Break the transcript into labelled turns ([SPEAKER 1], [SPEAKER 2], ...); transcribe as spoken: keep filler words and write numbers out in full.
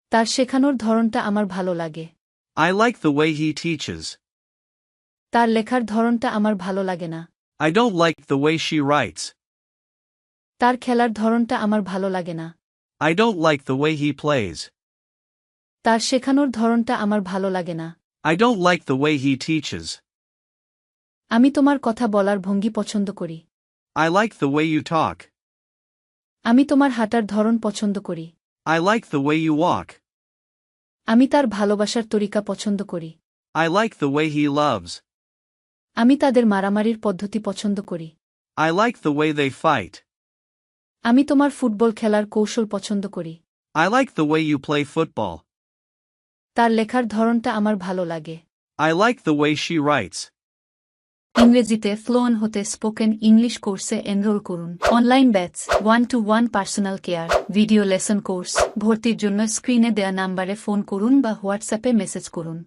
[SPEAKER 1] তার শেখানোর ধরনটা আমার ভালো লাগে।
[SPEAKER 2] I like the way he teaches.
[SPEAKER 1] তার লেখার ধরনটা আমার ভালো লাগে না।
[SPEAKER 2] I don't like the way she writes.
[SPEAKER 1] তার খেলার ধরনটা আমার ভালো লাগে না।
[SPEAKER 2] I don't like the way he plays.
[SPEAKER 1] তার শেখানোর ধরনটা আমার ভালো লাগে না।
[SPEAKER 2] I don't like the way he teaches.
[SPEAKER 1] আমি তোমার কথা বলার ভঙ্গি পছন্দ করি।
[SPEAKER 2] I like the way you talk.
[SPEAKER 1] আমি তোমার হাঁটার ধরন পছন্দ করি।
[SPEAKER 2] I like the way you walk.
[SPEAKER 1] আমি তার ভালোবাসার তরিকা পছন্দ করি।
[SPEAKER 2] I like the way he loves.
[SPEAKER 1] আমি তাদের মারামারির পদ্ধতি পছন্দ করি।
[SPEAKER 2] I like the way they fight.
[SPEAKER 1] আমি তোমার ফুটবল খেলার কৌশল পছন্দ করি।
[SPEAKER 2] I like the way you play football.
[SPEAKER 1] তার লেখার ধরনটা আমার ভালো লাগে।
[SPEAKER 2] I like the way she writes.
[SPEAKER 1] ইংরেজিতে ফ্লুয়েন্ট হতে স্পোকেন ইংলিশ কোর্সে এনরোল করুন। Online batch, one to one personal care, video lesson course. ভর্তির জন্য স্ক্রিনে দেয়া নাম্বারে ফোন করুন বা হোয়াটসঅ্যাপে মেসেজ করুন।